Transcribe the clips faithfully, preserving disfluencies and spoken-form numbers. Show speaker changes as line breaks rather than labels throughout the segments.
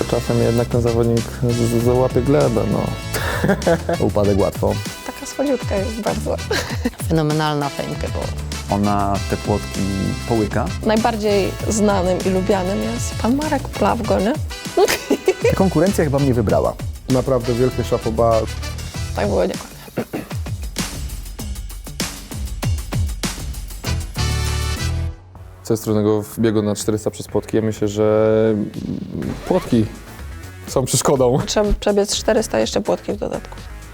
czasem jednak ten zawodnik z- z- załapie glebę, no.
Upadek łatwo.
Taka słodziutka jest bardzo.
Fenomenalna Femke Ball.
Ona te płotki połyka.
Najbardziej znanym i lubianym jest pan Marek Plawgo, nie?
Ta konkurencja chyba mnie wybrała.
Naprawdę wielkie chapeau.
Tak było dokładnie.
Co jest trudnego w biegu na czterysta przez płotki? Ja myślę, że płotki są przeszkodą.
Trzeba przebiec czterysta, jeszcze płotki w dodatku.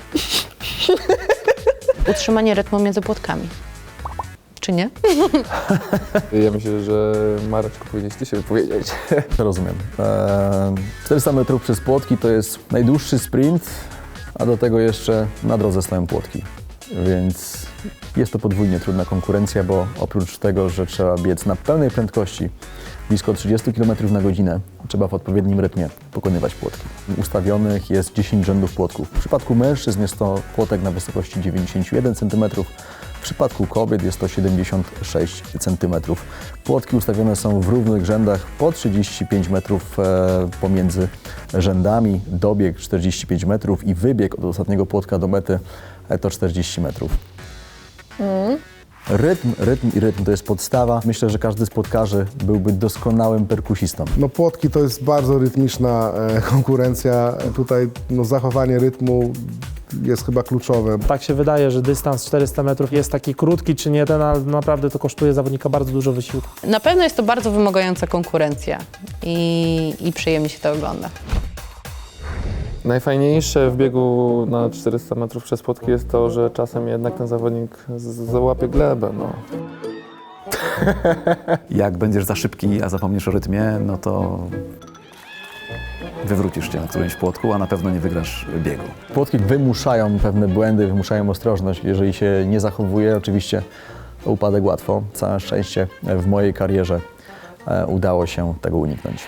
Utrzymanie rytmu między płotkami. Czy nie?
Ja myślę, że Mareczku, powinieneś ty się wypowiedzieć.
Rozumiem. Eee, czterysta metrów przez płotki to jest najdłuższy sprint, a do tego jeszcze na drodze stoją płotki. Więc jest to podwójnie trudna konkurencja, bo oprócz tego, że trzeba biec na pełnej prędkości, blisko trzydzieści kilometrów na godzinę, trzeba w odpowiednim rytmie pokonywać płotki. Ustawionych jest dziesięć rzędów płotków. W przypadku mężczyzn jest to płotek na wysokości dziewięćdziesiąt jeden centymetrów, w przypadku kobiet jest to siedemdziesiąt sześć centymetrów. Płotki ustawione są w równych rzędach po trzydzieści pięć metrów e, pomiędzy rzędami, dobieg czterdzieści pięć metrów i wybieg od ostatniego płotka do mety e, to czterdzieści metrów.
Mm.
Rytm, rytm i rytm to jest podstawa. Myślę, że każdy z płotkarzy byłby doskonałym perkusistą.
No płotki to jest bardzo rytmiczna e, konkurencja. Tutaj no, zachowanie rytmu jest chyba kluczowe.
Tak się wydaje, że dystans czterysta metrów jest taki krótki czy nie ten, ale naprawdę to kosztuje zawodnika bardzo dużo wysiłku.
Na pewno jest to bardzo wymagająca konkurencja i, i przyjemnie się to ogląda.
Najfajniejsze w biegu na czterysta metrów przez płotki jest to, że czasem jednak ten zawodnik z- załapie glebę, no.
Jak będziesz za szybki, a zapomnisz o rytmie, no to wywrócisz cię na którymś płotku, a na pewno nie wygrasz biegu.
Płotki wymuszają pewne błędy, wymuszają ostrożność. Jeżeli się nie zachowuje, oczywiście to upadek łatwo. Całe szczęście w mojej karierze e, udało się tego uniknąć.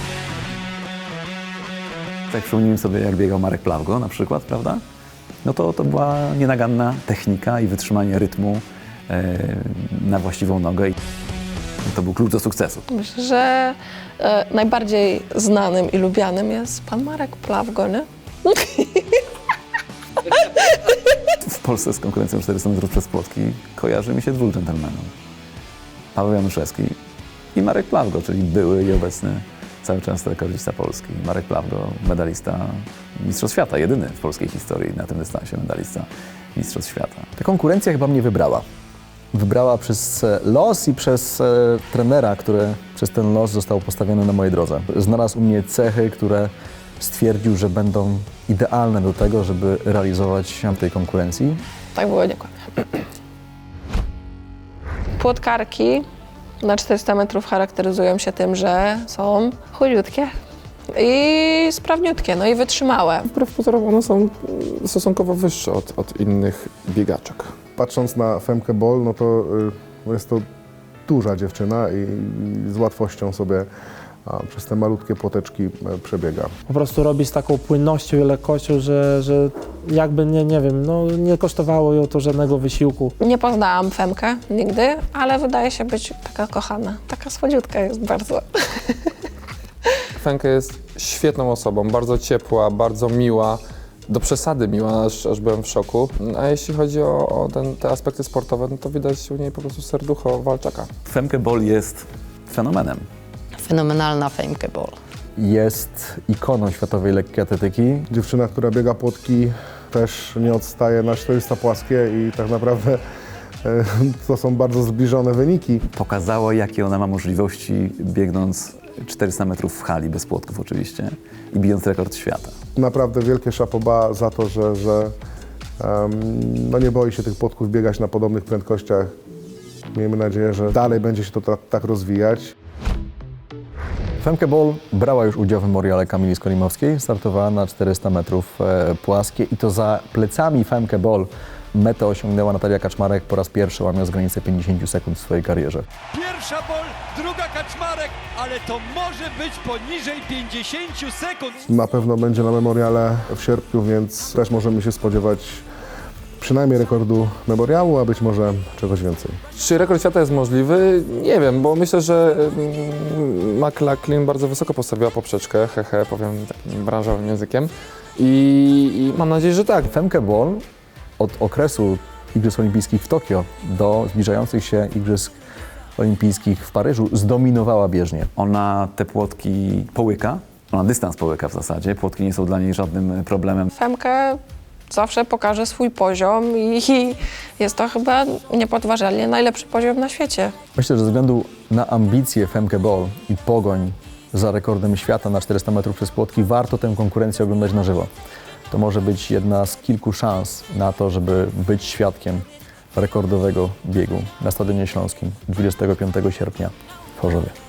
Tak przypomnijmy sobie, jak biegał Marek Plawgo na przykład, prawda? No to, to była nienaganna technika i wytrzymanie rytmu e, na właściwą nogę. I to był klucz do sukcesu.
Myślę, że e, najbardziej znanym i lubianym jest pan Marek Plawgo, nie?
W Polsce z konkurencją czterysta metrów przez płotki kojarzy mi się dwóch dżentelmenów. Paweł Januszewski i Marek Plawgo, czyli były i obecny cały czas rekordzista Polski. Marek Plawgo, medalista Mistrzostw Świata, jedyny w polskiej historii na tym dystansie medalista Mistrzostw Świata.
Ta konkurencja chyba mnie wybrała. Wybrała przez e, los i przez e, trenera, który przez ten los został postawiony na mojej drodze. Znalazł u mnie cechy, które stwierdził, że będą idealne do tego, żeby realizować się w tej konkurencji.
Tak było dokładnie. Płotkarki na czterysta metrów charakteryzują się tym, że są chudziutkie i sprawniutkie, no i wytrzymałe.
Wbrew pozorom one są stosunkowo wyższe od, od innych biegaczek.
Patrząc na Femke Ball, no to y, jest to duża dziewczyna i, i z łatwością sobie a, przez te malutkie płoteczki e, przebiega.
Po prostu robi z taką płynnością i lekkością, że, że jakby, nie, nie wiem, no nie kosztowało ją to żadnego wysiłku.
Nie poznałam Femkę nigdy, ale wydaje się być taka kochana. Taka słodziutka jest bardzo.
Femke jest świetną osobą, bardzo ciepła, bardzo miła, do przesady miła, aż, aż byłem w szoku. A jeśli chodzi o, o ten, te aspekty sportowe, no to widać u niej po prostu serducho walczaka.
Femke Ball jest fenomenem.
Fenomenalna Femke Ball.
Jest ikoną światowej lekkiej atletyki.
Dziewczyna, która biega płotki, też nie odstaje na czterysta płaskie i tak naprawdę e, to są bardzo zbliżone wyniki.
Pokazała, jakie ona ma możliwości, biegnąc czterysta metrów w hali, bez płotków oczywiście, i bijąc rekord świata.
Naprawdę wielkie chapeau za to, że, że um, no nie boi się tych płotków biegać na podobnych prędkościach. Miejmy nadzieję, że dalej będzie się to ta, tak rozwijać.
Femke Ball brała już udział w memoriale Kamili Skolimowskiej, startowała na czterysta metrów e, płaskie i to za plecami Femke Ball metę osiągnęła Natalia Kaczmarek po raz pierwszy, łamiąc granicę pięćdziesiąt sekund w swojej karierze.
Pierwsza Ball, druga Kaczmarek, ale to może być poniżej pięćdziesiąt sekund.
Na pewno będzie na memoriale w sierpniu, więc też możemy się spodziewać przynajmniej rekordu memoriału, a być może czegoś więcej.
Czy rekord świata jest możliwy? Nie wiem, bo myślę, że mm, McLaughlin bardzo wysoko postawiła poprzeczkę, hehe, powiem takim branżowym językiem. I, i mam nadzieję, że tak.
Femke Bol od okresu Igrzysk Olimpijskich w Tokio do zbliżających się Igrzysk Olimpijskich w Paryżu zdominowała bieżnię.
Ona te płotki połyka, ona dystans połyka w zasadzie, płotki nie są dla niej żadnym problemem.
Femke zawsze pokaże swój poziom i jest to chyba niepodważalnie najlepszy poziom na świecie.
Myślę, że ze względu na ambicje Femke Bol i pogoń za rekordem świata na czterysta metrów przez płotki warto tę konkurencję oglądać na żywo. To może być jedna z kilku szans na to, żeby być świadkiem rekordowego biegu na Stadionie Śląskim dwudziestego piątego sierpnia w Chorzowie.